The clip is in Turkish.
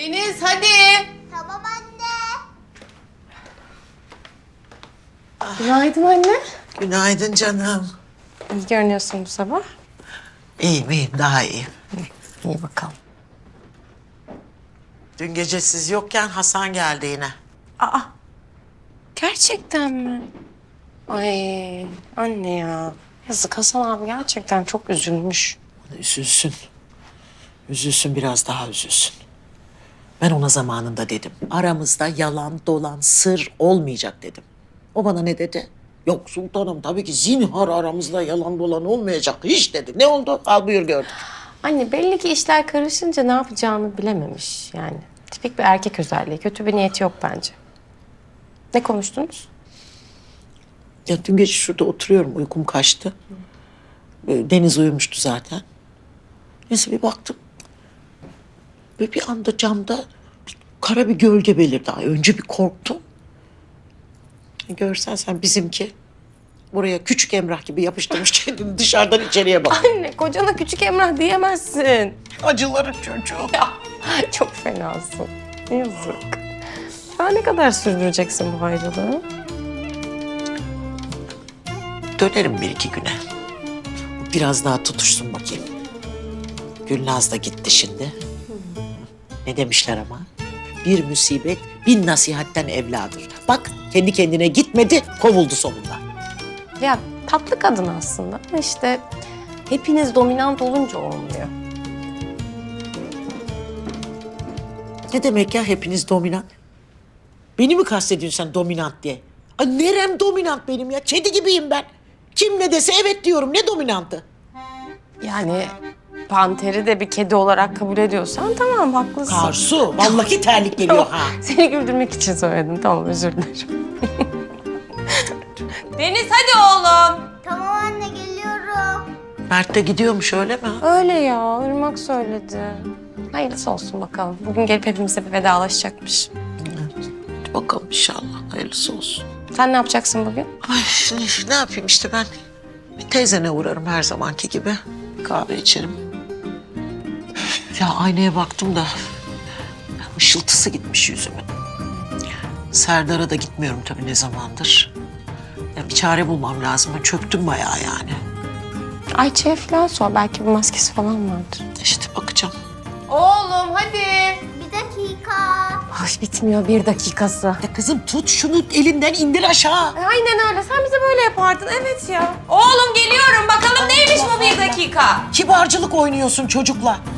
Deniz hadi. Tamam anne. Günaydın anne. Günaydın canım. İyi görünüyorsun bu sabah. İyiyim, daha iyiyim. İyi bakalım. Dün gece siz yokken Hasan geldi yine. Aa, gerçekten mi? Ay anne ya. Yazık Hasan abi gerçekten çok üzülmüş. Üzülsün. Üzülsün, biraz daha üzülsün. Ben ona zamanında dedim. Aramızda yalan, dolan, sır olmayacak dedim. O bana ne dedi? Yok sultanım, tabii ki zinhar aramızda yalan dolan olmayacak hiç dedi. Ne oldu? Al buyur gördük. Anne belli ki işler karışınca ne yapacağını bilememiş yani. Tipik bir erkek özelliği. Kötü bir niyeti yok bence. Ne konuştunuz? Ya dün gece şurada oturuyorum, uykum kaçtı. Deniz uyumuştu zaten. Neyse bir baktım. Böyle bir anda camda kara bir gölge belirdi. Ay, önce bir korktum. Görsen sen bizimki buraya küçük Emrah gibi yapıştırmış kendini dışarıdan içeriye bak. Anne kocana küçük Emrah diyemezsin. Acıların çocuğu. Ya çok fenasın. Yazık. Daha ne kadar sürdüreceksin bu ayrılığı? Dönerim bir iki güne. Biraz daha tutuşsun bakayım. Gülnaz da gitti şimdi. Ne demişler ama? Bir musibet bin nasihatten evladır. Bak kendi kendine gitmedi, kovuldu sonunda. Ya tatlı kadın aslında ama işte hepiniz dominant olunca olmuyor. Ne demek ya hepiniz dominant? Beni mi kastediyorsun sen dominant diye? Ay nerem dominant benim ya? Kedi gibiyim ben. Kim ne dese evet diyorum. Ne dominantı? Yani Panter'i de bir kedi olarak kabul ediyorsan tamam haklısın. Karsu, vallahi terlik geliyor ha. Seni güldürmek için söyledim. Tamam özür dilerim. Deniz hadi oğlum. Tamam anne geliyorum. Mert de gidiyormuş öyle mi? Öyle ya Irmak söyledi. Hayırlısı olsun bakalım. Bugün gelip hepimize bir vedalaşacakmış. Hadi bakalım inşallah. Hayırlısı olsun. Sen ne yapacaksın bugün? Ay şimdi ne yapayım işte ben? Bir teyzene uğrarım her zamanki gibi. Bir kahve içerim. Ya aynaya baktım da ışıltısı gitmiş yüzümün. Serdar'a da gitmiyorum tabii ne zamandır. Ya bir çare bulmam lazım. Ben çöktüm bayağı yani. Ayça'ya falan sor. Belki bir maskesi falan vardır. İşte bakacağım. Oğlum hadi. Bir dakika. Ay bitmiyor bir dakikası. Ya kızım tut şunu elinden indir aşağı. Aynen öyle. Sen bize böyle yapardın. Evet ya. Oğlum geliyorum. Bakalım neymiş bu bir dakika. Kibarcılık oynuyorsun çocukla.